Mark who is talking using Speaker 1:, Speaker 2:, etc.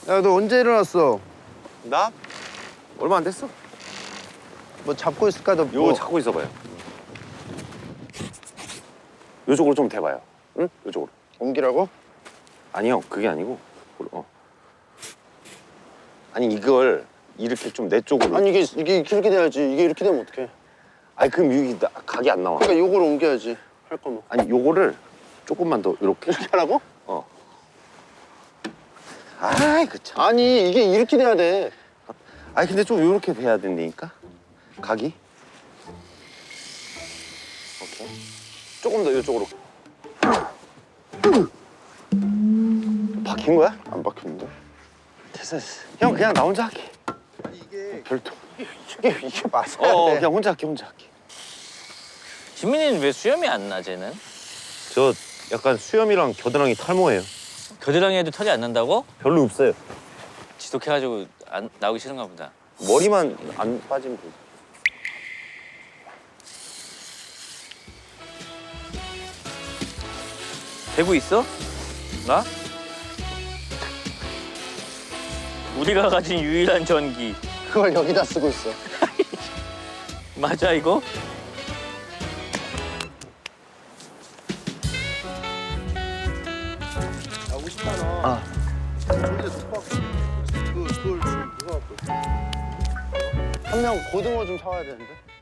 Speaker 1: 야, 너 언제 일어났어?
Speaker 2: 나? 얼마 안 됐어.
Speaker 1: 뭐 잡고 있을까? 너
Speaker 2: 요거
Speaker 1: 뭐...
Speaker 2: 잡고 있어봐요. 요쪽으로 좀 대봐요. 응? 요쪽으로.
Speaker 1: 옮기라고?
Speaker 2: 아니요, 그게 아니고. 아니 이걸 이렇게 좀 내 쪽으로.
Speaker 1: 아니 이게 이렇게 돼야지. 이게 이렇게 되면 어떡해?
Speaker 2: 아니 그럼 여기 각이 안 나와.
Speaker 1: 그러니까 요거를 옮겨야지. 할 거면.
Speaker 2: 아니 요거를 조금만 더 이렇게.
Speaker 1: 이렇게 하라고?
Speaker 2: 어. 아이 그 참.
Speaker 1: 아니 이게 이렇게 돼야 돼.
Speaker 2: 아니 근데 좀 이렇게 돼야 된다니까. 각이. 오케이. 조금 더 이쪽으로. 박힌 거야?
Speaker 1: 안 박혔는데?
Speaker 2: 됐어. 형 그냥 나 혼자 할게.
Speaker 1: 아니 이게
Speaker 2: 별도.
Speaker 1: 이게 맞아야 돼.
Speaker 2: 그냥 혼자 할게.
Speaker 3: 지민이는 왜 수염이 안 나, 쟤는?
Speaker 2: 저 약간 수염이랑 겨드랑이 탈모예요.
Speaker 3: 겨드랑이에도 털이 안 난다고?
Speaker 2: 별로 없어요.
Speaker 3: 지독해가지고 안 나오기 싫은가 보다.
Speaker 2: 머리만 안 빠지면 되지.
Speaker 3: 되고 있어? 나? 우리가 가진 유일한 전기.
Speaker 1: 그걸 여기다 쓰고 있어.
Speaker 3: 맞아, 이거?
Speaker 1: 야 50만 원.
Speaker 2: 아.
Speaker 1: 저기다 놓고 왔거든. 그걸 누가 갖고 있어? 한 명 고등어 좀 사와야 되는데.